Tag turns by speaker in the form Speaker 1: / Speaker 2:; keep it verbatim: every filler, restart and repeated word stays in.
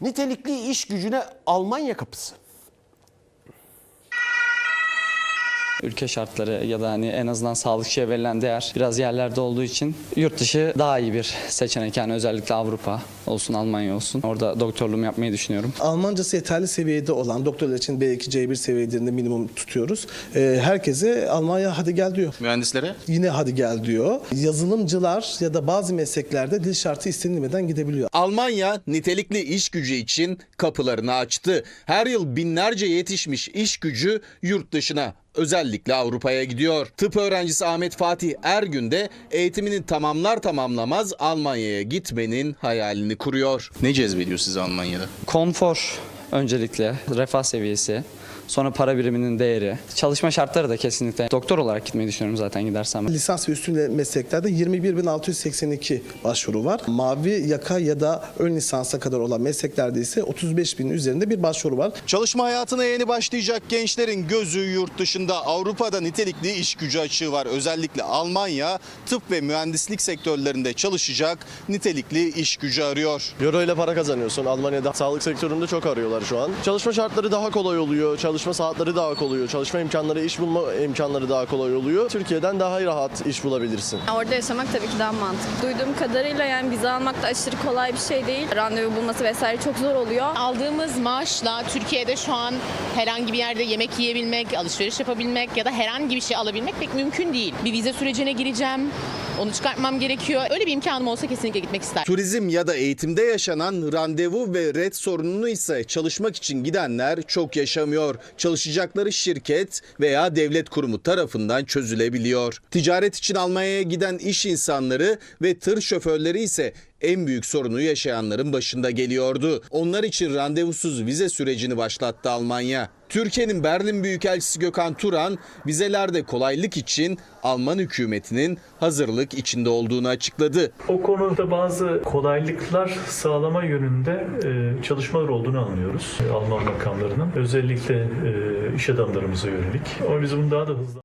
Speaker 1: Nitelikli iş gücüne Almanya kapısı.
Speaker 2: Ülke şartları ya da hani en azından sağlıkçıya verilen değer biraz yerlerde olduğu için yurt dışı daha iyi bir seçenek. Yani özellikle Avrupa olsun, Almanya olsun. Orada doktorluğumu yapmayı düşünüyorum.
Speaker 3: Almancası yeterli seviyede olan doktorlar için B iki C bir seviyelerinde minimum tutuyoruz. Ee, herkese Almanya hadi gel diyor.
Speaker 4: Mühendislere?
Speaker 3: Yine hadi gel diyor. Yazılımcılar ya da bazı mesleklerde dil şartı istenilmeden gidebiliyor.
Speaker 4: Almanya nitelikli iş gücü için kapılarını açtı. Her yıl binlerce yetişmiş iş gücü yurt dışına, özellikle Avrupa'ya gidiyor. Tıp öğrencisi Ahmet Fatih Ergün de eğitimini tamamlar tamamlamaz Almanya'ya gitmenin hayalini kuruyor. Ne cezbediyor sizi Almanya'da?
Speaker 2: Konfor öncelikle, refah seviyesi, sonra para biriminin değeri, çalışma şartları da kesinlikle. Doktor olarak gitmeyi düşünüyorum zaten gidersem.
Speaker 3: Lisans ve üstü mesleklerde yirmi bir bin altı yüz seksen iki başvuru var. Mavi yaka ya da ön lisansa kadar olan mesleklerde ise otuz beş bin üzerinde bir başvuru var.
Speaker 4: Çalışma hayatına yeni başlayacak gençlerin gözü yurt dışında. Avrupa'da nitelikli iş gücü açığı var. Özellikle Almanya tıp ve mühendislik sektörlerinde çalışacak nitelikli iş gücü arıyor.
Speaker 5: Euro ile para kazanıyorsun. Almanya'da sağlık sektöründe çok arıyorlar şu an. Çalışma şartları daha kolay oluyor. Çalışma saatleri daha kolay oluyor. Çalışma imkanları, iş bulma imkanları daha kolay oluyor. Türkiye'den daha rahat iş bulabilirsin.
Speaker 6: Orada yaşamak tabii ki daha mantıklı. Duyduğum kadarıyla yani vize almak da aşırı kolay bir şey değil. Randevu bulması vesaire çok zor oluyor.
Speaker 7: Aldığımız maaşla Türkiye'de şu an herhangi bir yerde yemek yiyebilmek, alışveriş yapabilmek ya da herhangi bir şey alabilmek pek mümkün değil. Bir vize sürecine gireceğim, onu çıkartmam gerekiyor. Öyle bir imkanım olsa kesinlikle gitmek isterim.
Speaker 4: Turizm ya da eğitimde yaşanan randevu ve ret sorununu ise çalışmak için gidenler çok yaşamıyor. Çalışacakları şirket veya devlet kurumu tarafından çözülebiliyor. Ticaret için Almanya'ya giden iş insanları ve tır şoförleri ise en büyük sorunu yaşayanların başında geliyordu. Onlar için randevusuz vize sürecini başlattı Almanya. Türkiye'nin Berlin Büyükelçisi Gökhan Turan, vizelerde kolaylık için Alman hükümetinin hazırlık içinde olduğunu açıkladı.
Speaker 8: O konuda bazı kolaylıklar sağlama yönünde e, çalışmalar olduğunu anlıyoruz. E, Alman makamlarının özellikle e, iş adamlarımıza yönelik. Ama biz bunu daha da hızlı